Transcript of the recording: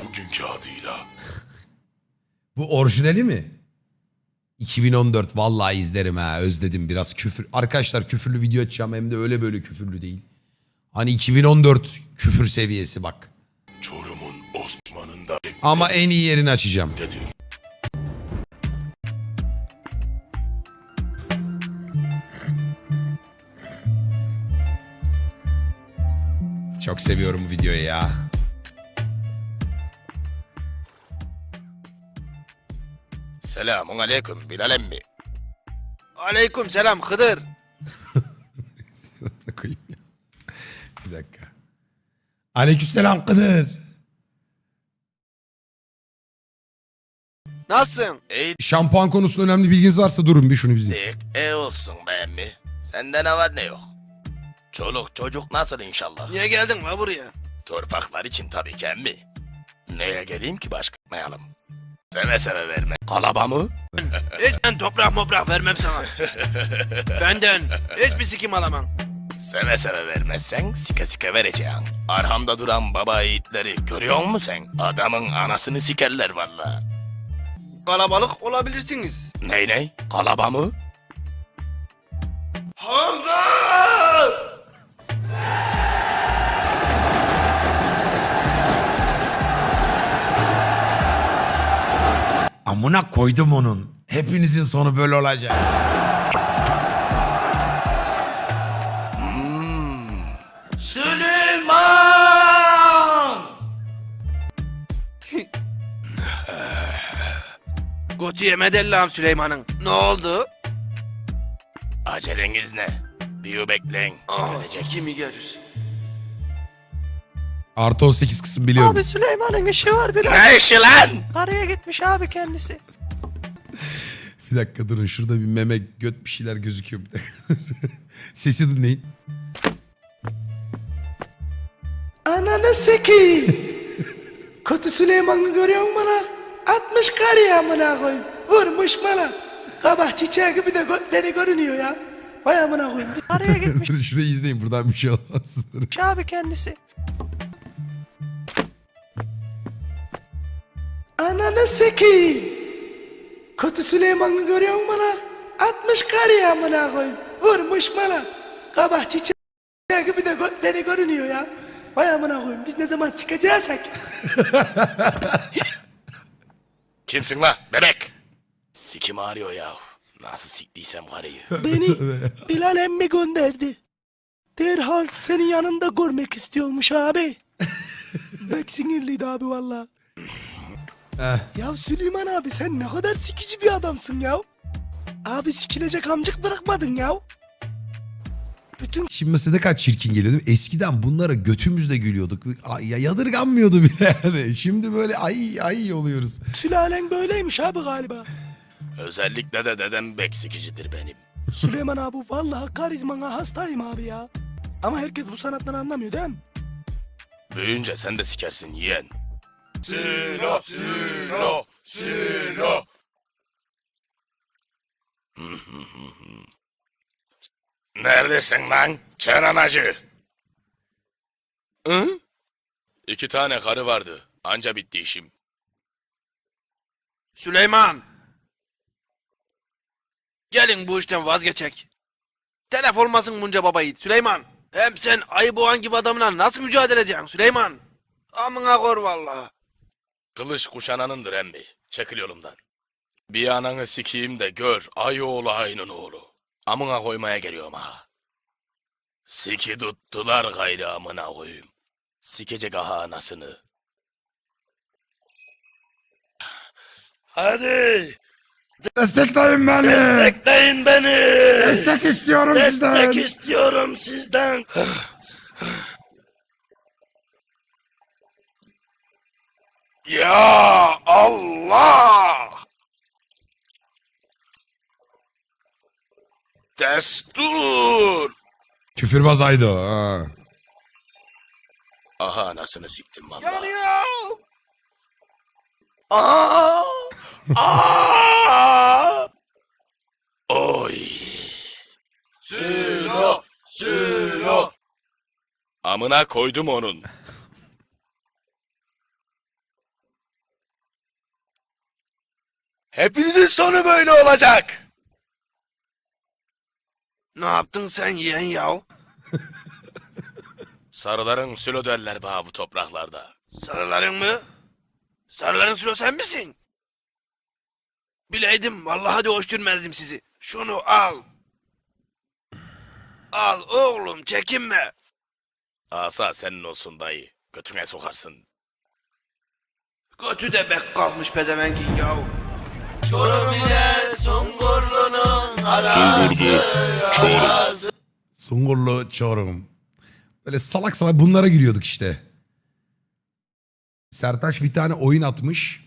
bugünkü adıyla. Bu orijinali mi? 2014 vallahi izlerim ha, özledim biraz küfür. Arkadaşlar küfürlü video açacağım, hem de öyle böyle küfürlü değil. Hani 2014 küfür seviyesi bak. Çorum'un Osman'ında Ama en iyi yerini açacağım. dedir. Çok seviyorum bu videoyu ya. Selamun aleyküm Bilal emmi. Aleyküm selam Hıdır. Koyayım ya. Bir dakika. Aleykümselam Kıdır. Nasılsın? İyi Şampuan konusunda önemli bilginiz varsa durun bir şunu bize. dik, iyi olsun be emmi. Sende ne var ne yok. Çoluk çocuk nasıl inşallah? Niye geldin la buraya? Torpaklar için tabii ki emmi. Neye geleyim ki başka yapmayalım. Seve seve verme. Kalaba mı? Hiç ben toprak vermem sana. Benden hiçbir sikim alamam. Seve seve vermezsen sike sike vereceğim. Arhamda duran baba yiğitleri görüyor musun sen? Adamın anasını sikerler valla. Kalabalık olabilirsiniz. Ney? Kalaba mı? Hamza! Amına koydum onun. Hepinizin sonu böyle olacak. Süleyman! Gotu yemedi Allah'ım Süleyman'ın. Ne oldu? Aceleniz ne? Bir bekleyin. Gelecek. Kimi görür? Artı 18 kısım biliyorum. Abi Süleyman'ın işi var biraz. Ne işi lan? Karaya gitmiş abi kendisi. Bir dakika durun, şurada bir meme göt bir şeyler gözüküyor. Bir dakika. Sesi dinleyin. Ananı sikeyim. Kötü Süleyman'ı görüyor musun lan? 60 karıya amına koyayım. Vurmuş bana. Kabak çiçeği gibi de götleri görünüyor ya. Vay amına koyayım. Karaya gitmiş Durun şurayı izleyin, buradan bir şey olmaz. abi kendisi. Ananı sikeyim. Kötü Süleyman'ı görüyor musun lan? 60 karıya amına koyayım. Vurmuş bana. Kabak çiçeği gibi de götleri görünüyor ya. Vay amına koyayım. Biz ne zaman çıkacaksak. Kimsin la bebek? Sikim ağrıyor ya. Nasıl siktiysem karıyı. Beni Bilal emmi gönderdi. Derhal senin yanında görmek istiyormuş abi. Bek sinirliydi abi valla. Ya Süleyman abi sen ne kadar sikici bir adamsın ya. Abi sikilecek amcık bırakmadın ya. Bütün Şimdi mesela ne kadar çirkin geliyor değil mi? Eskiden bunlara götümüzle gülüyorduk. Ay, ya yadırganmıyordu bile yani. Şimdi böyle ay oluyoruz. sülalen böyleymiş abi galiba. Özellikle de dedem beksikicidir benim. Süleyman abi vallahi karizmana hastayım abi ya. Ama herkes bu sanattan anlamıyor değil mi? Büyüyünce sen de sikersin yeğen. Silo, silo, silo. Neredesin lan Kenan Hacı? Hı? 2 tane karı vardı. Anca bitti işim. Süleyman. Gelin bu işten vazgeçek. Telef olmasın bunca baba yiğit Süleyman. Hem sen ayı boğan gibi adamla nasıl mücadele edeceksin Süleyman? Amına kor vallahi. Kılıç kuşananındır emmi. Çekil yolumdan. Bir ananı sikeyim de gör ay oğlu aynın oğlu. Amına koymaya geliyorum ha. Siki tuttular gayrı amına koyayım. Sikecek aha anasını. Hadi Destekleyin beni. destekleyin beni. Destek istiyorum sizden. Destek istiyorum sizden. Ya Allah! Destur! Küfürbaz Aydo. Ha. Aha anasını siktim valla. Yanıyor. Aa! Aa! Oy! Sülo! Sülo! Amına koydum onun. Hepinizin sonu böyle olacak. Ne yaptın sen yeğen yav? Sarıların sülo derler bana bu topraklarda. Sarıların mı? Sarıların sülo sen misin? Bileydim vallahi de hoş görmezdim sizi. Şunu al. Al oğlum çekinme. Asa senin olsun dayı. Götüne sokarsın. Götü de bek kalmış pezevengin yav. Çorum ile Sungurlu'nun arası. Sungurlu Çorum. Böyle salak salak bunlara gülüyorduk işte. Sertaç bir tane oyun atmış.